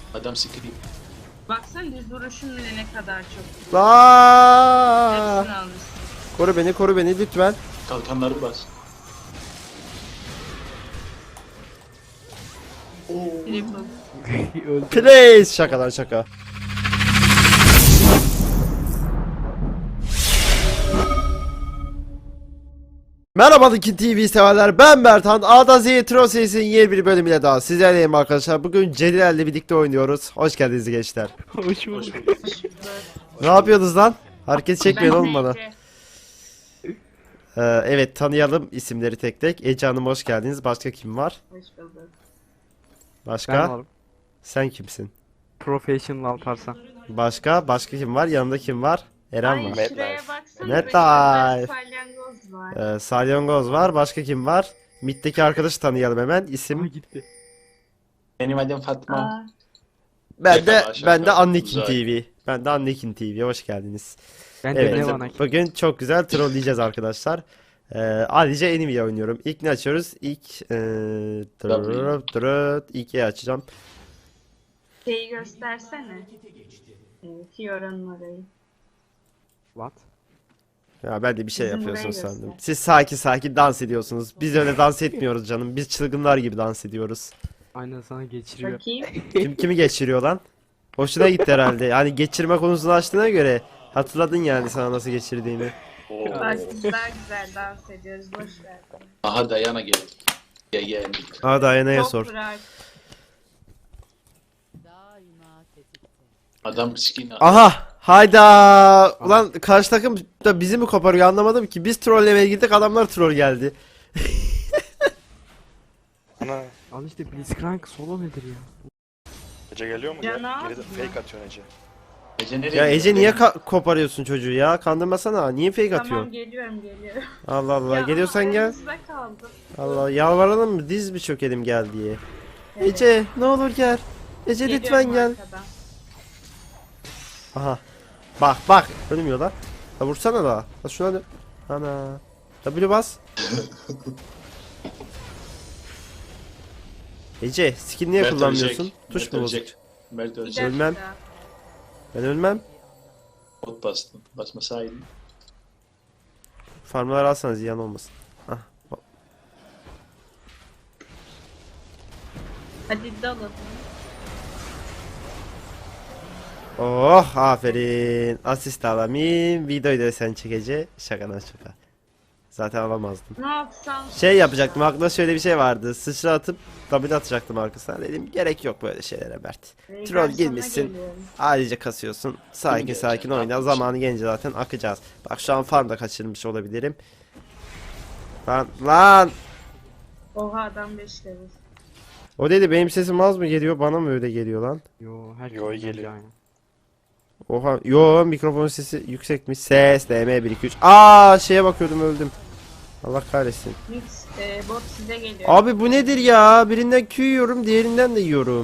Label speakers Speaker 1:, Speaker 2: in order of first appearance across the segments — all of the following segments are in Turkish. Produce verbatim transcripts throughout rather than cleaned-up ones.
Speaker 1: Adam sikeyim.
Speaker 2: Baksana düz vuruşun bile ne kadar çok.
Speaker 3: Aa!
Speaker 2: Hepsini almışsın.
Speaker 3: Koru beni, koru beni lütfen.
Speaker 1: Kalkanları bas.
Speaker 2: Triple.
Speaker 4: Öldü.
Speaker 3: Please, şakadan şaka. Merhaba Dikin T V severler, ben Bertan. A'dan Z'ye Tron serisinin yeni bir bölümüyle daha sizlerleyim arkadaşlar. Bugün Cediler'le birlikte oynuyoruz. Hoş geldiniz gençler.
Speaker 4: Hoş
Speaker 1: Hoş
Speaker 4: bulduk.
Speaker 1: bulduk.
Speaker 3: Ne yapıyorsunuz lan? Hareket çekmeyin oğlum bana.
Speaker 2: Ece.
Speaker 3: Ee, evet, tanıyalım isimleri tek tek. Ece Hanım hoş geldiniz. Başka kim var?
Speaker 2: Hoş bulduk.
Speaker 3: Başka?
Speaker 4: Ben varım.
Speaker 3: Sen kimsin?
Speaker 4: Professional Alparslan.
Speaker 3: Başka? Başka kim var? Yanında kim var? Eren
Speaker 2: Ay
Speaker 3: var.
Speaker 2: şuraya baksana.
Speaker 3: Mad
Speaker 2: be, şurada
Speaker 3: Life.
Speaker 2: salyangoz var.
Speaker 3: Ee, Salyangoz var. Başka kim var? Mid'deki arkadaşı tanıyalım hemen.
Speaker 4: Ama
Speaker 3: İsim
Speaker 4: gitti.
Speaker 1: Benim adım Fatma.
Speaker 2: Aa,
Speaker 3: ben de
Speaker 1: Şaka, şaka.
Speaker 3: ben de Annekin
Speaker 1: Uzay.
Speaker 3: T V. Ben de Annekin T V. Hoş geldiniz.
Speaker 4: Ben de
Speaker 3: Evet.
Speaker 4: ne bana ki?
Speaker 3: Bugün çok güzel trolleyeceğiz arkadaşlar. Ee, Alice Enemy oynuyorum. İlk ne açıyoruz? İlk ee, drrrt, drrrt, ilk E açacağım.
Speaker 2: şeyi göstersene. Ee, Fiora'nın orayı.
Speaker 4: What?
Speaker 3: Ya ben de bir şey
Speaker 2: Bizim
Speaker 3: yapıyorsunuz
Speaker 2: burayı
Speaker 3: sandım.
Speaker 2: göster.
Speaker 3: Siz sakin sakin dans ediyorsunuz. Biz öyle dans etmiyoruz canım. Biz çılgınlar gibi dans ediyoruz.
Speaker 4: Aynen sana geçiriyor.
Speaker 2: Bakayım.
Speaker 3: Kim kimi geçiriyor lan? Hoşuna gitti herhalde. Yani geçirme konusunu açtığına göre hatırladın yani sana nasıl geçirdiğini.
Speaker 2: Bak biz daha güzel dans ediyoruz. Boş ver.
Speaker 1: Aha Dayana geldi. Gel gel.
Speaker 3: Aa Dayana'ya
Speaker 2: Çok
Speaker 3: sor.
Speaker 2: bırak.
Speaker 1: Adam sikeyim.
Speaker 3: Aha! Hayda! Ulan karşı takım da bizi mi koparıyor anlamadım ki. Biz trollemeye gittik, adamlar troll geldi.
Speaker 5: Ana,
Speaker 4: Al işte Blitzcrank solo nedir ya?
Speaker 5: Ece geliyor mu
Speaker 2: Can
Speaker 5: ya?
Speaker 2: al
Speaker 5: Geride
Speaker 2: mı?
Speaker 5: fake atıyorsun Ece.
Speaker 1: Ece nereye
Speaker 3: Ya
Speaker 1: gitti?
Speaker 3: Ece niye ka- koparıyorsun çocuğu ya? Kandırmasana. Niye fake
Speaker 2: Tamam
Speaker 3: atıyorsun?
Speaker 2: geliyorum geliyorum.
Speaker 3: Allah Allah.
Speaker 2: Ya
Speaker 3: Geliyorsan
Speaker 2: ama
Speaker 3: gel.
Speaker 2: aramızda kaldı.
Speaker 3: Allah, yalvaralım mı? Diz mi çökelim gel diye.
Speaker 2: Evet.
Speaker 3: Ece ne olur gel. Ece
Speaker 2: Geliyorum
Speaker 3: lütfen gel.
Speaker 2: arkadan.
Speaker 3: Aha. Bak bak. Ölmüyor lan. Ha vursana da. Ha şuna dön. Ana. W bas. Ece skin niye
Speaker 1: Mert
Speaker 3: kullanmıyorsun?
Speaker 1: ölecek.
Speaker 3: Tuş
Speaker 1: Mert
Speaker 3: mu
Speaker 1: ölecek.
Speaker 3: bozuk?
Speaker 1: Mert
Speaker 2: Bir
Speaker 1: ölecek.
Speaker 3: Ölmem.
Speaker 2: dakika.
Speaker 3: Ben ölmem.
Speaker 1: Bot bastım. Basmasaydın.
Speaker 3: Farmları alsanız ziyan olmasın. Ah.
Speaker 2: Hadi dalın.
Speaker 3: Oh aferin. Asist alamayayım. Videoyu da sen çekece. Şakadan şaka. Zaten alamazdım.
Speaker 2: Ne yapsam?
Speaker 3: Şey yapacaktım, aklımda şöyle bir şey vardı. Sıçra atıp W atacaktım arkasına. Dedim gerek yok böyle şeylere Mert.
Speaker 2: Ee,
Speaker 3: Troll
Speaker 2: garsona
Speaker 3: girmişsin.
Speaker 2: geliyorum.
Speaker 3: Ayrıca kasıyorsun. Sakin
Speaker 1: gelecek?
Speaker 3: sakin
Speaker 1: Ne
Speaker 3: oyna.
Speaker 1: yapacağız?
Speaker 3: Zamanı gelince zaten akacağız. Bak şu an farm da kaçırmış olabilirim. Lan lan.
Speaker 2: Oha adam beş level.
Speaker 3: O dedi benim sesim az mı geliyor, bana mı öyle geliyor lan?
Speaker 4: Yo her
Speaker 5: Yo, geliyor.
Speaker 4: aynı.
Speaker 3: Oha yo mikrofon sesi yüksekmiş. Ses D M bir iki üç. Aa şeye bakıyordum öldüm. Allah kahretsin.
Speaker 2: Mix e, bot size geliyor.
Speaker 3: Abi bu nedir ya? Birinden Q yiyorum, diğerinden de yiyorum.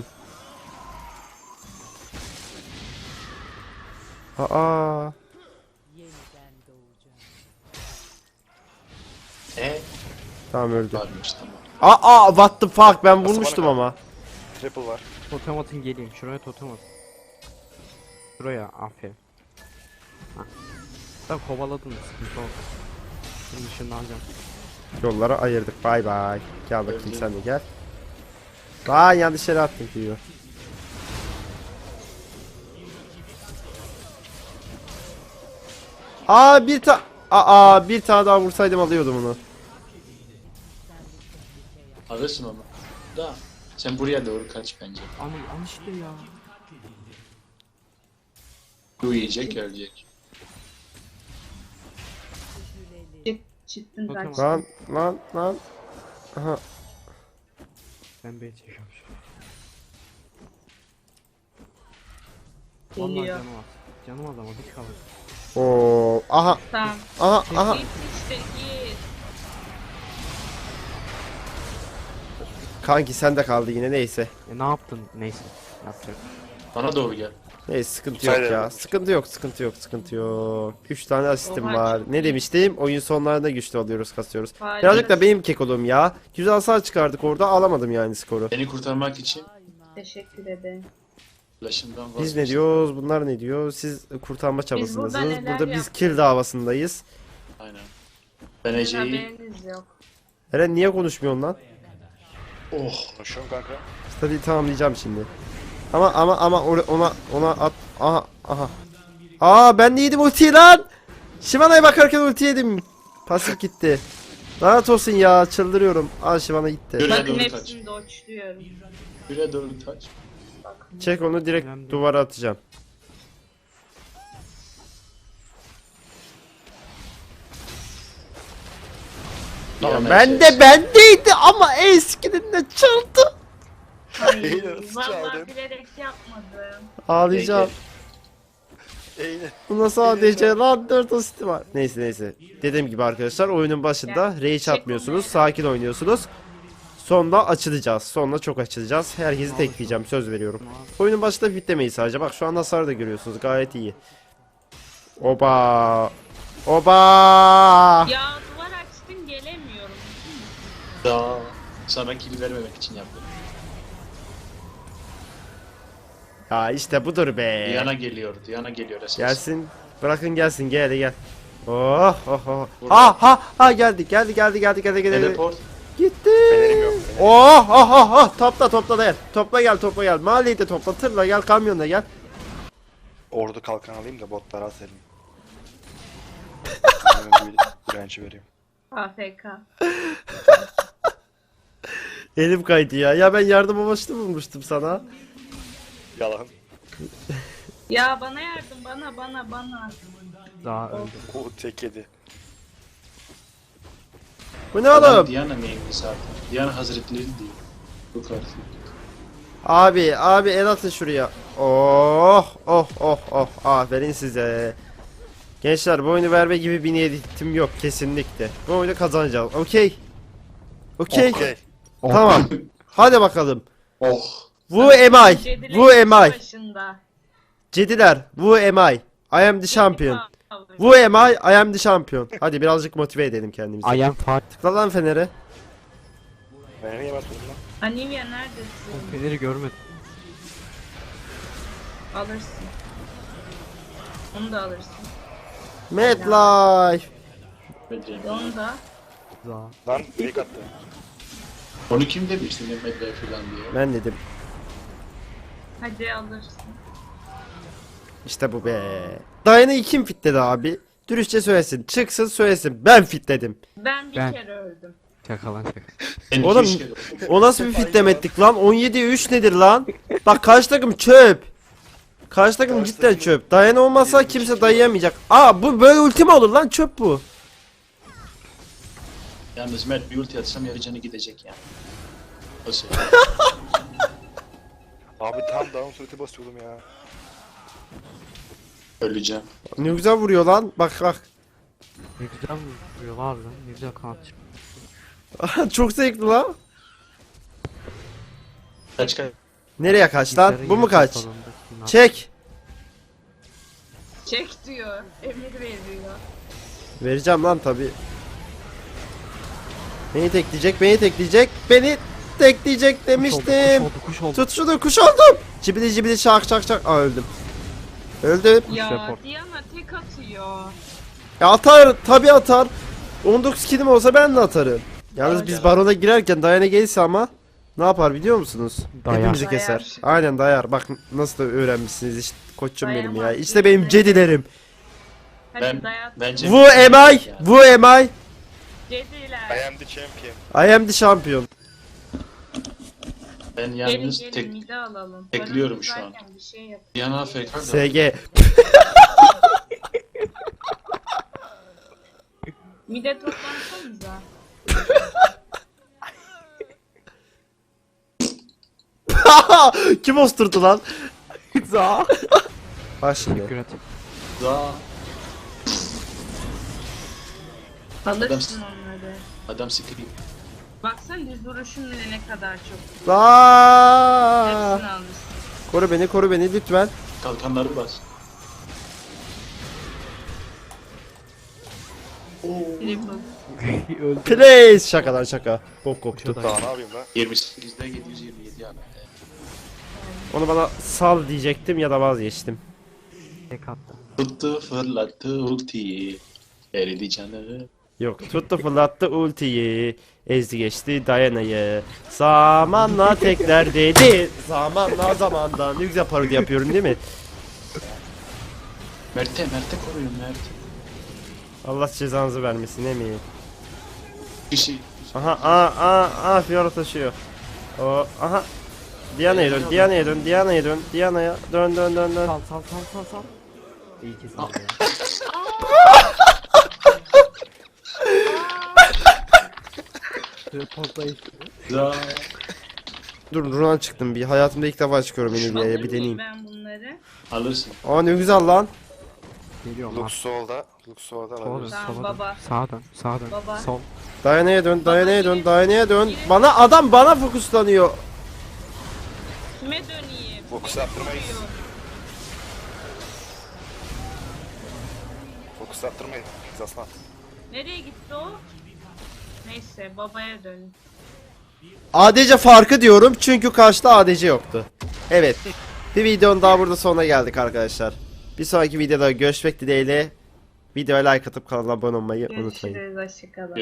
Speaker 3: Aa.
Speaker 1: E
Speaker 3: Tamam öldü.
Speaker 1: varmış tamam.
Speaker 3: Aa what the fuck, ben
Speaker 5: Nasıl
Speaker 3: vurmuştum
Speaker 5: bana
Speaker 3: ama.
Speaker 5: Triple var.
Speaker 4: Totem atın geleyim. Şuraya totem at. Şuraya aferin. Hah. Sen kovaladın mı? Sıkıntı oldu. Şimdi şunu alacağım.
Speaker 3: Yollara ayırdık. Bay bay. Gel bakayım sen de gel. Lan yanlış yere attım diyor. Aa bir ta Aa bir tane daha vursaydım alıyordum onu.
Speaker 1: Alırsın onu. Da sen buraya doğru kaç bence.
Speaker 4: Ama al işte ya.
Speaker 1: Bu yiyecek ölecek.
Speaker 2: Çık, çıktın
Speaker 4: Totem
Speaker 2: kaç.
Speaker 3: Lan lan lan. Aha.
Speaker 4: Ben B çekiyorum şu an. Vallahi
Speaker 2: Geliyor.
Speaker 4: canım az. Canım az ama bir kalır.
Speaker 3: Oo. Aha.
Speaker 2: Tamam.
Speaker 3: Aha aha.
Speaker 2: Git işte git.
Speaker 3: Kanki sen de kaldı yine, neyse.
Speaker 4: E ne yaptın? Neyse. Yapacak.
Speaker 1: Bana doğru gel.
Speaker 3: Neyse sıkıntı yok
Speaker 5: Sayın
Speaker 3: ya.
Speaker 5: Hanım.
Speaker 3: Sıkıntı yok, sıkıntı yok, sıkıntı yok. üç tane asistim
Speaker 2: Oha,
Speaker 3: var.
Speaker 2: çok
Speaker 3: Ne
Speaker 2: iyi.
Speaker 3: demiştim? Oyun sonlarında güçlü oluyoruz, kasıyoruz.
Speaker 2: Harika.
Speaker 3: Birazcık da benim kekoluğum ya. Güzel hasar çıkardık orada, alamadım yani skoru.
Speaker 1: Beni kurtarmak için
Speaker 2: Teşekkür ederim.
Speaker 1: Flash'ından
Speaker 3: Biz
Speaker 1: vazgeçtim.
Speaker 3: ne diyoruz? Bunlar ne diyor? Siz kurtarma çabasındasınız.
Speaker 2: burada neler
Speaker 3: Burada biz
Speaker 2: yaptık?
Speaker 3: kill davasındayız.
Speaker 1: Aynen. Ben
Speaker 2: Sizin
Speaker 1: Ece'yi...
Speaker 2: haberiniz yok.
Speaker 3: Eren niye konuşmuyorsun lan?
Speaker 1: Oh.
Speaker 5: Konuşuyorum kanka.
Speaker 3: Hadi tamamlayacağım şimdi. Ama ama ama or- ona ona at. Aha aha. Aa ben de yedim ultiyi lan. Shivana'ya bakarken ulti yedim. Pasif gitti. Lanet olsun ya, çıldırıyorum. Aa Shivana gitti.
Speaker 1: Yürü.
Speaker 2: Bakın
Speaker 1: doğru kaç.
Speaker 2: hepsini doçluyorum.
Speaker 1: Bire doğru taç.
Speaker 3: Çek onu, direkt
Speaker 4: Önemli.
Speaker 3: duvara atacağım. Tamam, ben de bendeydi ama eskinin de çaldı.
Speaker 2: Ay,
Speaker 5: Nasıl
Speaker 2: vallahi
Speaker 5: çaldın?
Speaker 2: bilerek yapmadım.
Speaker 3: Ağlayacağım.
Speaker 5: Eyle.
Speaker 3: Buna sadece lan dört asisti var. Neyse neyse. Dediğim gibi arkadaşlar, oyunun başında rage atmıyorsunuz. Sakin oynuyorsunuz. Sonra açılacağız. Sonra çok açılacağız. Herkesi tekleyeceğim, söz veriyorum. Oyunun başında bitlemeyi sadece. Bak şu an hasarı da görüyorsunuz. Gayet iyi. Oba. Oba.
Speaker 2: Ya duvar açtın gelemiyorum.
Speaker 1: Daha sana kill vermemek için yaptım.
Speaker 3: Ya işte budur be.
Speaker 1: Diana geliyor. Diana geliyor esas.
Speaker 3: Gelsin. Bırakın gelsin. Gel gel. Oh oh oh. Ha ha ha geldi geldi geldi geldi geldi geldi.
Speaker 1: Teleport.
Speaker 3: Gitti.
Speaker 5: Fenerim yok.
Speaker 3: Oh oh oh oh. Topla topla da gel. Topla gel topla gel. Mahalleyi de topla. Tırla gel, kamyonla gel.
Speaker 5: Ordu kalkan alayım da botlara aselim. bir direnci vereyim.
Speaker 2: A F K.
Speaker 3: Elim kaydı ya. Ya ben yardım amaçlı bulmuştum sana.
Speaker 5: Yalan.
Speaker 2: Ya bana yardım, bana bana bana.
Speaker 4: Daha öldü.
Speaker 5: O tek yedi.
Speaker 3: Bu ne oğlum?
Speaker 1: Diana neymiş zaten? Diana hazretleri değil. Bu kadar.
Speaker 3: Abi abi el atın şuraya. Oh oh oh oh. Aferin size. Gençler, bu oyunu verme gibi bir niyetim yok kesinlikle. Bu oyunu kazanacağız. Okey. Okey.
Speaker 5: Okey.
Speaker 3: Tamam. Hadi bakalım.
Speaker 1: Oh.
Speaker 3: Bu am I.
Speaker 2: Cedile'nin
Speaker 3: Bu am I.
Speaker 2: başında.
Speaker 3: Cediler. Bu am I. I am the champion. Bu am I. I am the champion. Hadi birazcık motive edelim kendimizi.
Speaker 4: I am far.
Speaker 3: Tıkla lan fenere.
Speaker 5: Ben niye basmadım lan?
Speaker 2: Anivia neredesin?
Speaker 4: Feneri görmedim.
Speaker 2: Alırsın. Onu da alırsın.
Speaker 3: Medlife.
Speaker 1: Bedrem.
Speaker 2: Onu da.
Speaker 4: Daha.
Speaker 5: Lan fake attı.
Speaker 1: Onu kim demişti Mehmet Bey falan diye.
Speaker 3: Ben dedim.
Speaker 2: Hadi alırsın.
Speaker 3: İşte bu be. Dayana'yı kim fitledi abi? Dürüstçe söylesin. Çıksın söylesin. Ben fitledim.
Speaker 2: Ben bir
Speaker 4: Ben.
Speaker 2: kere öldüm.
Speaker 4: Şaka lan şaka.
Speaker 1: En
Speaker 3: Oğlum,
Speaker 1: iki kere.
Speaker 3: O nasıl bir fitlemettik lan? on yediye üç nedir lan? Bak karşı takım çöp. Karşı takım
Speaker 5: Karşı
Speaker 3: cidden
Speaker 5: takım
Speaker 3: çöp. Dayana olmasa
Speaker 5: yirmi iki
Speaker 3: kimse
Speaker 5: kilo.
Speaker 3: dayayamayacak. Aa bu böyle ulti mi olur lan? Çöp bu.
Speaker 1: Yalnız Mert bir ulti atsam yarı canı gidecek yani. Nasıl?
Speaker 5: Abi tam down sureti basıyordum ya.
Speaker 1: Öleceğim.
Speaker 3: Ne güzel vuruyor lan. Bak bak.
Speaker 4: Ne güzel vuruyorlar lan. Ne güzel kanat çıkıyor.
Speaker 3: Çok zevkli lan.
Speaker 1: Kaç kaç.
Speaker 3: Nereye kaç lan?
Speaker 4: Bizlerin
Speaker 3: Bu mu
Speaker 4: yönetim
Speaker 3: kaç?
Speaker 4: salonunda kimler-
Speaker 3: Çek.
Speaker 2: Çek diyor. Emir veriyor.
Speaker 3: Vereceğim lan tabi. Beni tekleyecek, beni tekleyecek, beni tekleyecek
Speaker 4: Kuş oldu,
Speaker 3: demiştim.
Speaker 4: Kuş oldu, kuş oldu.
Speaker 3: Tut şunu, kuş oldum. Cibili cibili şak şak şak. Aa öldüm. Öldüm.
Speaker 2: Ya
Speaker 4: report.
Speaker 2: Diana tek atıyor.
Speaker 3: Ya atar, tabi atar. on dokuz kilim olsa ben de atarım. Yalnız biz barona girerken Dayana gelirse ama ne yapar biliyor musunuz?
Speaker 4: Dayar.
Speaker 3: Hepimizi
Speaker 2: Dayar.
Speaker 3: keser. Aynen dayar. Bak nasıl da öğrenmişsiniz işte koçum benim ya.
Speaker 2: Dayamaz
Speaker 3: İşte benim
Speaker 2: bizi.
Speaker 3: cedilerim.
Speaker 2: Hadi
Speaker 1: Ben-
Speaker 2: dayat.
Speaker 1: bence-
Speaker 3: Bu am I. Bu am I.
Speaker 2: Cediler.
Speaker 5: I am the champion.
Speaker 3: I am the champion.
Speaker 1: Ben
Speaker 2: Gelin
Speaker 1: yalnız
Speaker 2: gelin
Speaker 1: tek
Speaker 2: mide alalım.
Speaker 1: tekliyorum
Speaker 2: Paramız
Speaker 1: şu an.
Speaker 2: varken Bir şey yap.
Speaker 1: Diana A F K da.
Speaker 3: S G.
Speaker 2: Mide toplansanıza.
Speaker 3: Kim osturdu lan?
Speaker 4: Za.
Speaker 3: Bak şimdi.
Speaker 4: Teşekkür et.
Speaker 1: Daha
Speaker 2: Alırsın onları.
Speaker 1: adam sikeyim.
Speaker 2: Baksana düz duruşun bile ne kadar çok.
Speaker 3: Aa!
Speaker 2: Hepsini almışsın.
Speaker 3: Koru beni, koru beni lütfen.
Speaker 1: Kalkanları bas.
Speaker 2: Triple.
Speaker 4: Öldü.
Speaker 3: Please. Şakalar şaka. Bok koptu.
Speaker 4: Şaka.
Speaker 5: Daha ne yapayım lan?
Speaker 1: yirmi sekizde yedi yüz yirmi yedi yani.
Speaker 3: Onu bana sal diyecektim ya da vazgeçtim.
Speaker 4: Tek attı.
Speaker 1: Tuttu fırlattı ultiyi. Eridi canı.
Speaker 3: Yok, tuttu fırlattı ultiyi. Ezdi geçti Diana'yı. Zamanla tekler dedi. Zamanla zamanda. Ne güzel parodi yapıyorum değil mi?
Speaker 1: Mert'e Mert'e koruyun Mert.
Speaker 3: Allah cezanızı vermesin emin.
Speaker 1: Bir şey.
Speaker 3: Aha aa aa aa Fiora taşıyor. O aha. Diana'ya dön, Diana'ya dön, Diana'ya dön, Diana'ya dön dön dön dön.
Speaker 4: Sal sal sal sal sal. İyi ki sal ya. Reportlayış.
Speaker 1: Za.
Speaker 3: Dur Runan çıktım bir. Hayatımda ilk defa çıkıyorum Enilia'ya bir deneyeyim.
Speaker 2: Ben bunları.
Speaker 1: Alırsın.
Speaker 3: Aa ne güzel lan.
Speaker 4: Geliyorum.
Speaker 5: Lux solda. Lux solda.
Speaker 4: Sola dön,
Speaker 5: alabiliriz.
Speaker 2: Tamam,
Speaker 4: sola dön.
Speaker 2: baba.
Speaker 4: Sağa dön, sağa dön.
Speaker 2: Baba.
Speaker 4: Sol.
Speaker 3: Diana'ya dön, Diana'ya dön,
Speaker 2: yine-
Speaker 3: Diana'ya dön.
Speaker 2: yine-
Speaker 3: Bana adam bana fokuslanıyor.
Speaker 2: Kime döneyim?
Speaker 5: Fokus attırmayız. Fokus attırmayın. Biz aslan.
Speaker 2: Nereye gitti o? Neyse babaya dön.
Speaker 3: A D C farkı diyorum çünkü karşıda A D C yoktu. Evet. Bir videonun daha burada sonuna geldik arkadaşlar. Bir sonraki videoda görüşmek dileğiyle. Videoya like atıp kanala abone olmayı unutmayın.
Speaker 2: Görüşürüz. Hoşçakalın.